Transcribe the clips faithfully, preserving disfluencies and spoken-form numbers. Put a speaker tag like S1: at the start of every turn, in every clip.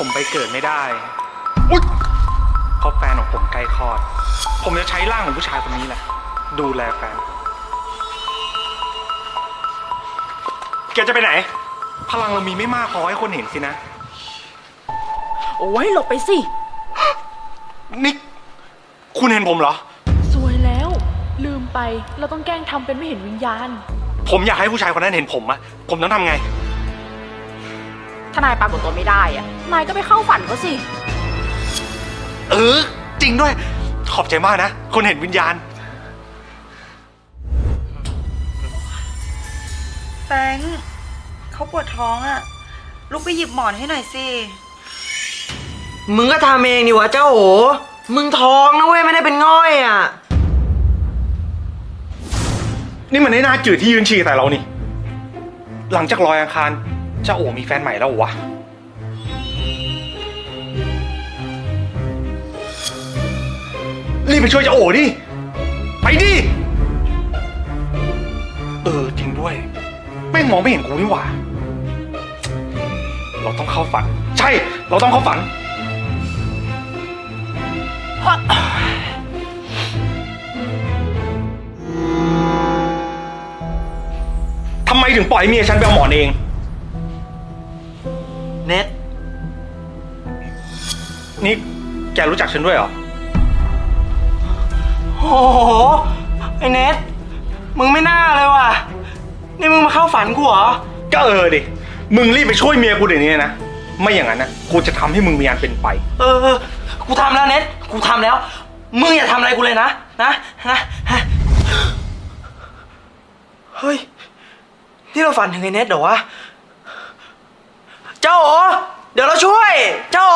S1: ผมไปเกิดไม่ได้อุ๊ยเพราะแฟนของผมใกล้คลอดผมจะใช้ร่างของผู้ชายคนนี้แหละดูแลแฟนแกจะไปไหนพลังเรามีไม่มากพอให้คนเห็นสินะ
S2: โอ้ยหลบไปสิ
S1: นี่คุณเห็นผมเหรอ
S2: สวยแล้วลืมไปเราต้องแกล้งทำเป็นไม่เห็นวิญญาณ
S1: ผมอยากให้ผู้ชายคนนั้นเห็นผมอะผมต้องทำไง
S2: ถ้านายปรากฏตัวไม่ได้อะนายก็ไปเข้าฝันเขาสิ
S1: เออจริงด้วยขอบใจมากนะคนเห็นวิญญาณ
S3: แฟงเขาปวดท้องอะลุกไปหยิบหมอนให้หน่อยสิ
S4: มึงก็ทำเองดิวะเจ้าโอมึงท้องนะเว้ยไม่ได้เป็นง่อยอ่ะ
S1: นี่มันไม่น่าจืดที่ยืนฉี่แต่เรานี่หลังจากลอยอังคารเจ้าโอมีแฟนใหม่แล้ววะรีบไปช่วยเจ้าโอดิไปดิเออจริงด้วยแม่งมองไม่เห็นกูนี่หว่าเราต้องเข้าฝันใช่เราต้องเข้าฝันทำไมถึงปล่อยเมียฉันไปเอาหมอนเอง
S4: เน็ต
S1: นี่แกรู้จักฉันด้วยเหรอ
S4: โอ้โหไอ้เน็ตมึงไม่น่าเลยว่ะนี่มึงมาเข้าฝันกูเหรอ
S1: ก็เออดิมึงรีบไปช่วยเมียกูเดี๋ยวนี้นะไม่อย่างนั้นนะกูจะทำให้มึงมีอันเป็นไป
S4: เออกูทำแล้วเน็ตกูทำแล้วมึงอย่าทำอะไรกูเลยนะนะนะเฮ้ยนี่เราฝันถึงไอ้เน็ตเหรอวะเจ้าโอเดี๋ยวเราช่วยเจ้าโอ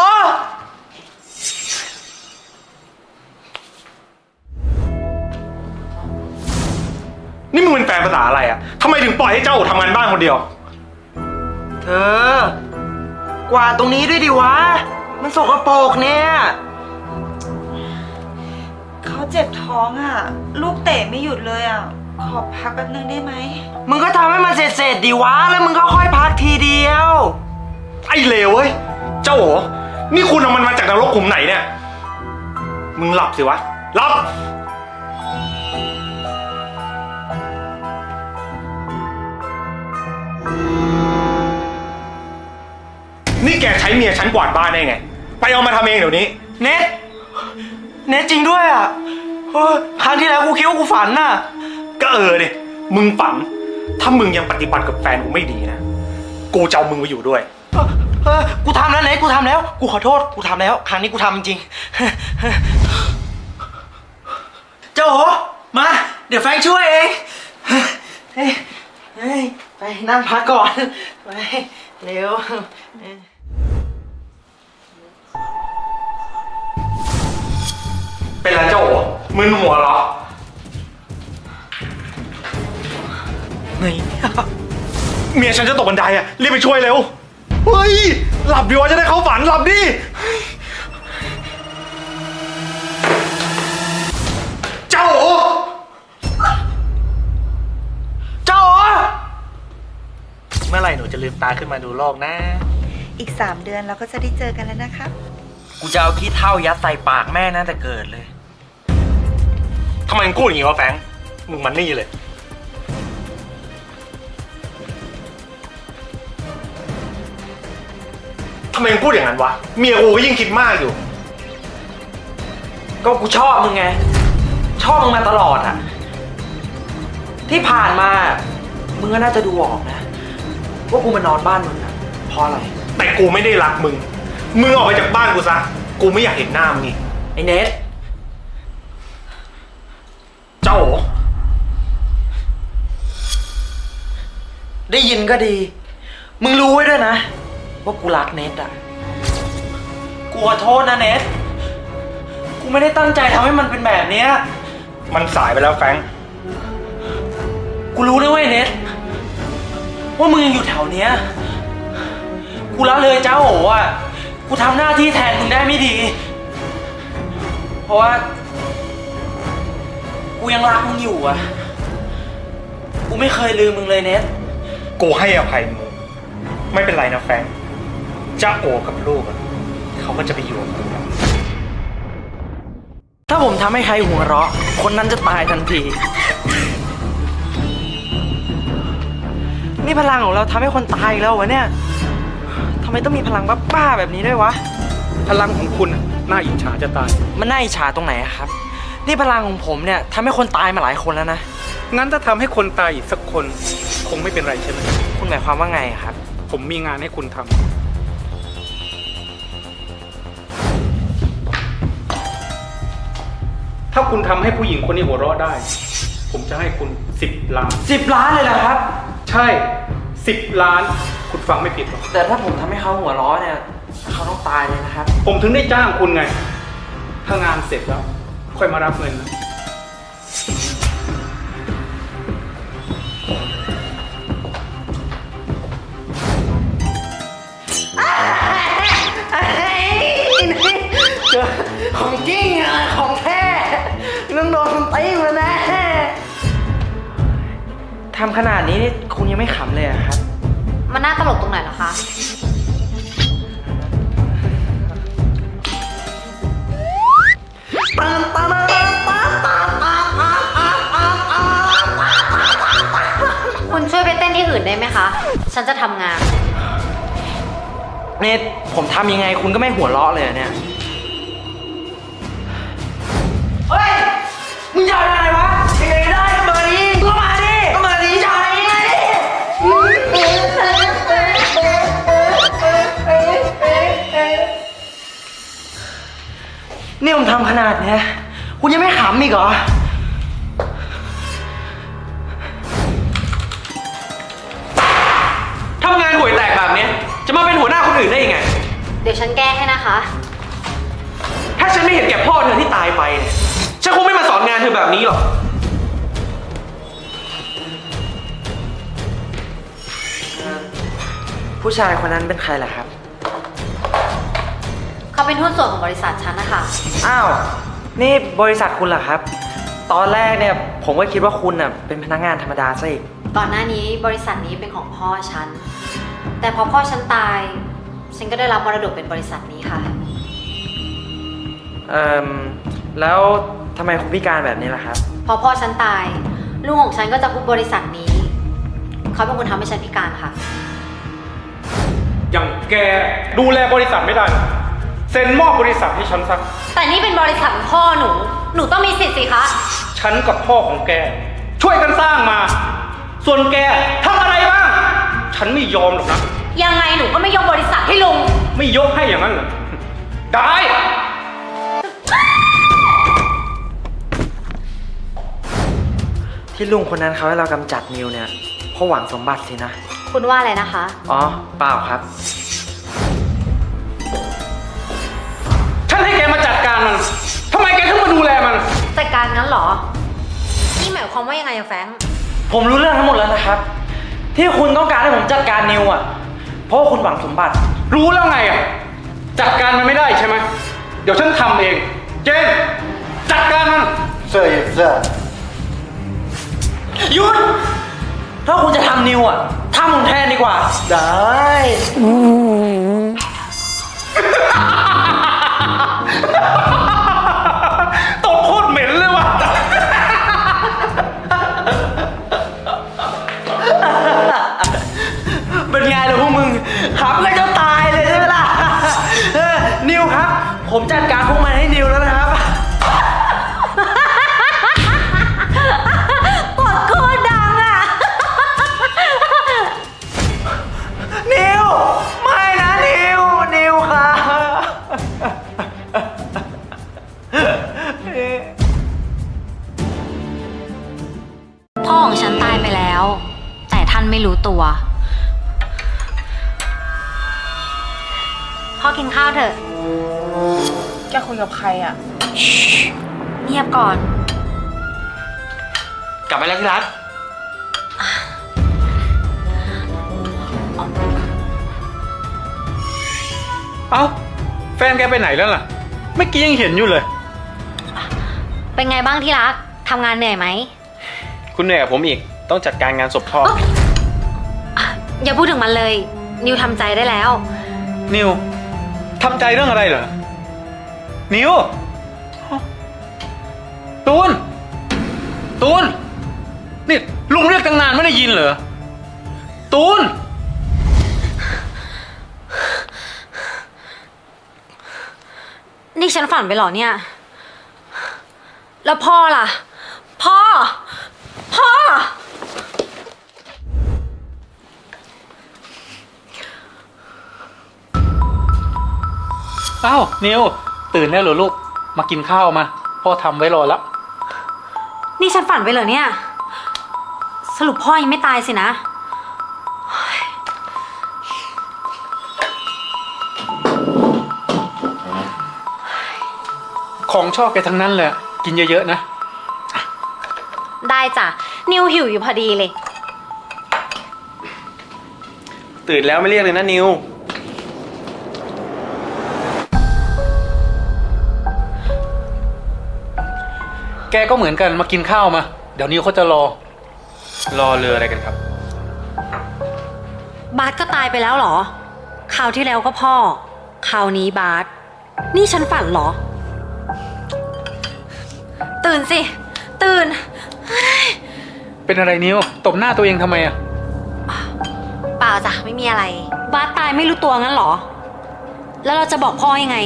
S1: นี่มึงเป็นแฟนภาษาอะไรอ่ะทำไมถึงปล่อยให้เจ้าโอทำงานบ้านคนเดียว
S4: เธอกวาดตรงนี้ด้วยดิวะมันสกปรกเนี่ย
S3: เขาเจ็บท้องอะลูกเตะไม่หยุดเลยอะขอพักแป๊บนึงได้ไหม
S4: มึงก็ทำให้มันเสร็จๆดิวะแล้วมึงก็ค่อยพักทีเดียว
S1: ไอ้เลวเว้ยเจ้าโอนี่คุณเอามันมาจากนรกขุมไหนเนี่ยมึงหลับสิวะหลับนี่แกใช้เมียฉันกวาดบ้านได้ไงไปเอามาทำเองเดี๋ยวนี้
S4: เน็ตเน็ตจริงด้วยอ่ะครั้งที่แล้วกูคิดว่ากูฝันน่ะ
S1: ก็เออดิมึงฝันถ้ามึงยังปฏิบัติกับแฟนกูไม่ดีนะกูจะเอามึงไปอยู่ด้วย
S4: เออเออกูทำแล้วเน็ตกูทำแล้วกูขอโทษกูทำแล้วครั้งนี้กูทำจริงเจ้าโหมาเดี๋ยวแฟนช่วยเองเฮ้ยเฮ้ยไปนั่งพักก่อนไปเร็ว
S1: เป็นไรเจ้าโอมึนหัวเหรอ
S4: เฮ้ย
S1: เมียฉันจะตกบันไดอ่ะรีบไปช่วยเร็วเฮ้ยหลับดีวะจะได้เข้าฝันหลับดิเจ้าโอ
S4: เจ้าโอ
S1: เมื่อไหร่หนูจะลืมตาขึ้นมาดูโลกนะ
S3: อีกสามเดือนเราก็จะได้เจอกันแล้วนะครับ
S4: กูจะเอาขี้เถ้ายัดใส่ปากแม่น่าจะเกิดเลย
S1: ทำไมมึงพูดอย่างนี้วะแฟงมึงมันนี่เลยทำไมมึงพูดอย่างนั้นวะเมียกูก็ยิ่งคิดมากอยู่
S4: ก็กูชอบมึงไงชอบมึงมาตลอดอะที่ผ่านมามึงก็น่าจะดูออกนะว่ากูมานอนบ้านมึงอะเพราะอะไร
S1: แต่กูไม่ได้รักมึงมึงออกไปจากบ้านกูซะกูไม่อยากเห็นหน้ามึงนี่
S4: ไอ้เนท
S1: เจ้าโอ
S4: ได้ยินก็ดีมึงรู้ไว้ด้วยนะว่ากูรักเนทอะกูขอโทษนะเนทกูไม่ได้ตั้งใจทำให้มันเป็นแบบนี้
S1: มันสายไปแล้วแฟง
S4: กูรู้นะเว้ยเนทว่ามึงยังอยู่แถวเนี้ยกูละเลยเจ้าโอ๋อ่ะกูทำหน้าที่แทนมึงได้ไม่ดีเพราะว่ากูยังรักมึงอยู่อ่ะกูไม่เคยลืมมึงเลยเนท
S1: กูให้อภัยมึงไม่เป็นไรนะแฟงจ้าโอกับลูกเขาก็จะไปอยู่กับคุณ
S4: ถ้าผมทำให้ใครหัวเราะ คนนั้นจะตายทันที นี่พลังของเราทำให้คนตายอีกแล้ววะเนี่ยทำไมต้องมีพลังบ้าๆแบบนี้ด้วยวะ
S1: พลังของคุณน่ะน่าอิจฉาจะตาย
S4: มันน่าอิจฉาตรงไหนอะครับ นี่พลังของผมเนี่ยทำให้คนตายมาหลายคนแล้วนะ
S1: งั้นถ้าทำให้คนตายอีกสักคนคงไม่เป็นไรใช่ไหม
S4: คุณหมายความว่าไงอะครับ
S1: ผมมีงานให้คุณทำถ้าคุณทำให้ผู้หญิงคนนี้หัวเราะได้ ผมจะให้คุณสิบล้าน
S4: สิบล้านเลยเหรอครับ
S1: ใช่สิบล้าน คุณฟังไม่ผิดหรอก
S4: แต่ถ้าผมทำให้เขาหัวเราะเนี่ยเขาต้องตายเลยนะครับ
S1: ผมถึงได้จ้างคุณไง ถ้างานเสร็จแล้ว ค่อยมารับเงินนะ
S4: เจอของจริงอะของแท้ต้องโดนตีมาแน่ทำขนาดนี้นี่คุณยังไม่ขำเลยอะครับ
S2: มันน่าตลกตรงไหนเหรอคะ คุณช่วยไปเต้นที่อื่นได้ไหมคะ ฉันจะทำงาน
S4: นี่ผมทำยังไงคุณก็ไม่หัวเราะเลยอะเนี่ย เฮ้ย มึงจะเอาอะไรวะยังไงได้ก็มาดิก็มาดิก็มาดิจะเอายังไงนี่ผมทำขนาดเนี้ยคุณยังไม่ขำอีกเหรอ
S5: ทำงานห่วยแตกแบบนี้จะมาเป็นหัวหน้าคนอื่นได้ยังไง
S2: เดี๋ยวฉันแก้ให้นะคะ
S5: ถ้าฉันไม่เห็นแก่พ่อเธอที่ตายไปเนี่ยฉันคงไม่มาสอนงานเธอแบบนี้หรอก
S4: ผู้ชายคนนั้นเป็นใครล่ะครับ
S2: เขาเป็นหุ้นส่วนของบริษัทฉันนะคะ
S4: อ้าว นี่บริษัทคุณเหรอครับ ตอนแรกเนี่ยผมก็คิดว่าคุณน่ะเป็นพนักงานธรรมดาซะอีก
S2: ก่อนหน้านี้บริษัทนี้เป็นของพ่อฉัน แต่พอพ่อฉันตาย ฉันก็ได้รับมรดกเป็นบริษัทนี้ค่ะ
S4: เอ่อ แล้วทำไมคุณพิการแบบนี้ล่ะครับ
S2: พอพ่อฉันตาย ลูกของฉันก็จะคุบบริษัทนี้ เขาเป็นคนทำให้ฉันพิการค่ะ
S1: อย่างแกดูแลบริษัทไม่ได้ เซ็นมอบบริษัทให้ฉันสัก
S2: แต่นี่เป็นบริษัทของพ่อหนู หนูต้องมีสิทธิ์สิคะ
S1: ฉันกับพ่อของแก ช่วยกันสร้างมา ส่วนแกทำอะไรบ้าง ฉันไม่ยอมหรอกนะ
S2: ยังไงหนูก็ไม่ยกบริษัทให้ลุง
S1: ไม่ยกให้อย่างนั้นเหรอ ได้
S4: ที่ลุงคนนั้นเขาให้เรากำจัดนิวเนี่ยเพราะหวังสมบัติสินะ
S2: คุณว่าอะไรนะคะ
S4: อ๋อ เปล่าครับ
S1: ฉันให้แกมาจัดการมัน ทำไมแกถึงมาดูแลมัน
S2: จัดการงั้นเหรอ นี่หมายความว่ายังไงอะแฟรงค์
S4: ผมรู้เรื่องทั้งหมดแล้วนะครับ ที่คุณต้องการให้ผมจัดการนิวอ่ะ เพราะว่าคุณหวังสมบัติ
S1: รู้แล้วไงอ่ะ จัดการมันไม่ได้ใช่ไหม เดี๋ยวฉันทำเอง เจน จัดการมัน
S6: Sir, yes, sir.
S4: หยุด ถ้าคุณจะทำนิวอ่ะทำผมแทนดีกว่า ได้
S1: ตบโคตรเหม็นเลยว่ะ
S4: เป็นไงล่ะพวกมึงขับก็จะตายเลยใช่ไหมล่ะเออนิวครับ ผมจัดการพวกมันให้นิวแล้วนะครับ
S2: กดโคตรดังอะ
S4: นิว ไม่นะนิว นิวครับ
S2: พ่อของฉันตายไปแล้ว แต่ท่านไม่รู้ตัว พ่อกินข้าวเถอะ
S3: แกคุยกับใครอ่ะ
S2: เงียบก่อน
S5: กลับไปแล้วที่รัก
S1: เอ้า แฟนแกไปไหนแล้วล่ะ เมื่อกี้ยังเห็นอยู่เลย
S2: เป็นไงบ้างที่รัก ทำงานเหนื่อยไหม
S5: คุณเหนื่อยกับผมอีก ต้องจัดการงานศพพ่อ
S2: อย่าพูดถึงมันเลย นิวทำใจได้แล้ว
S1: นิวทำใจเรื่องอะไรเหรอ นิว ตูน ตูน นี่ลุงเรียกตั้งนานไม่ได้ยินเหรอ ตูน
S2: นี่ฉันฝันไปเหรอเนี่ย แล้วพ่อล่ะ พ่อ พ่อ
S1: อ้าว นิว ตื่นแล้วเหรอลูก มากินข้าวมา พ่อทำไว้รอแล้ว
S2: นี่ฉันฝันไปเหรอเนี่ย สรุปพ่อยังไม่ตายสินะ
S1: ของชอบแกทั้งนั้นเลย กินเยอะๆนะ
S2: ได้จ้ะ นิวหิวอยู่พอดีเลย
S5: ตื่นแล้วไม่เรียกเลยนะนิว
S1: แกก็เหมือนกันมากินข้าวมา เดี๋ยวนิวเขาจะรอ
S5: รอเรืออะไรกันครับ
S2: บาสก็ตายไปแล้วเหรอ คราวที่แล้วก็พ่อ คราวนี้บาส นี่ฉันฝันเหรอ ตื่นสิ ตื่น
S1: เป็นอะไรนิว ตบหน้าตัวเองทำไมอะ
S2: เปล่าจ้ะไม่มีอะไร บาสตายไม่รู้ตัวงั้นเหรอ แล้วเราจะบอกพ่อยังไง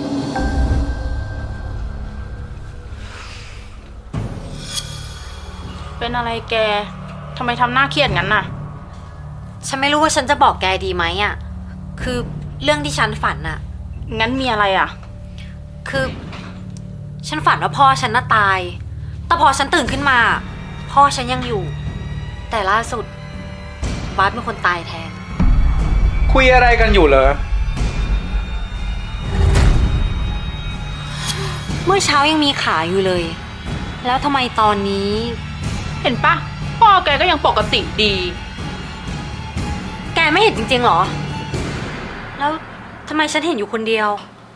S6: เป็นอะไรแก ทำไมทำหน้าเครียดงั้นน่ะ
S2: ฉันไม่รู้ว่าฉันจะบอกแกดีไหมอ่ะ คือเรื่องที่ฉันฝันอ่ะ
S6: งั้นมีอะไรอ่ะ
S2: คือ ฉันฝันว่าพ่อฉันน่ะตาย แต่พอฉันตื่นขึ้นมา พ่อฉันยังอยู่ แต่ล่าสุดบาสเป็นคนตายแทน
S1: คุยอะไรกันอยู่เหรอ
S2: เมื่อเช้ายังมีขาอยู่เลย แล้วทำไมตอนนี้
S6: เห็นปะพ่อแกก็ยังปกติดี
S2: แกไม่เห็นจริงๆหรอ แล้วทำไมฉันเห็นอยู่คนเดียว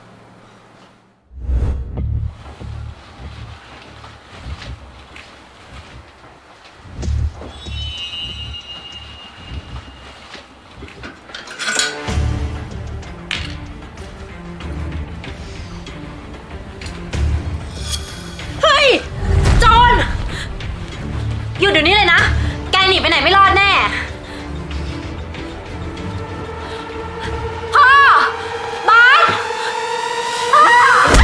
S2: เฮ้ย โจรหยุดเดี๋ยวนี้เลยนะ แกหนีไปไหนไม่รอดแน่ พ่อ บาสพ่อ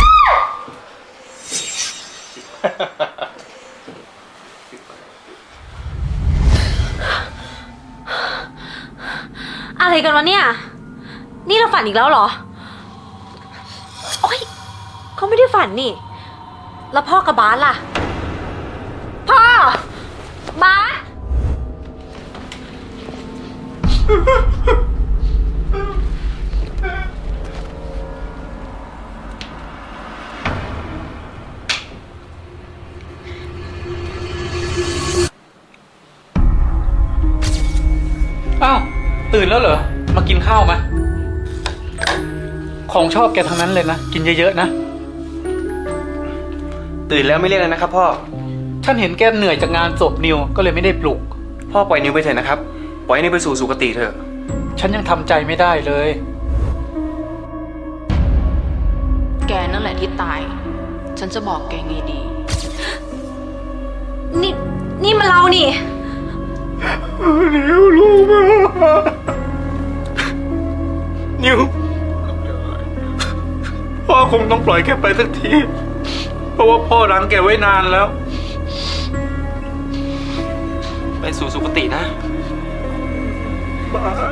S2: อะไรกันวะเนี่ย นี่เราฝันอีกแล้วเหรอ โอ๊ยเขาไม่ได้ฝันนี่ แล้วพ่อกับบาสล่ะ พ่อ บาส
S1: อ้าว ตื่นแล้วเหรอ มากินข้าวมา ของชอบแกทั้งนั้นเลยนะ กินเยอะๆนะ
S5: ตื่นแล้วไม่เรียกเลยนะครับพ่อ
S1: ฉันเห็นแกเหนื่อยจากงานศพนิว ก็เลยไม่ได้ปลุก
S5: พ่อปล่อยนิวไปเถอะนะครับ ปล่อยนิวไปสู่สุคติเถอะ
S1: ฉันยังทำใจไม่ได้เลย
S6: แกนั่นแหละที่ตาย ฉันจะบอกแกไงดี
S2: นี่ นี่มันเรานี่
S1: นิวลูกนิว พ่อคงต้องปล่อยแกไปสักที เพราะว่าพ่อรังแกไว้นานแล้ว
S5: ไปสู่สุคตินะ
S1: บาส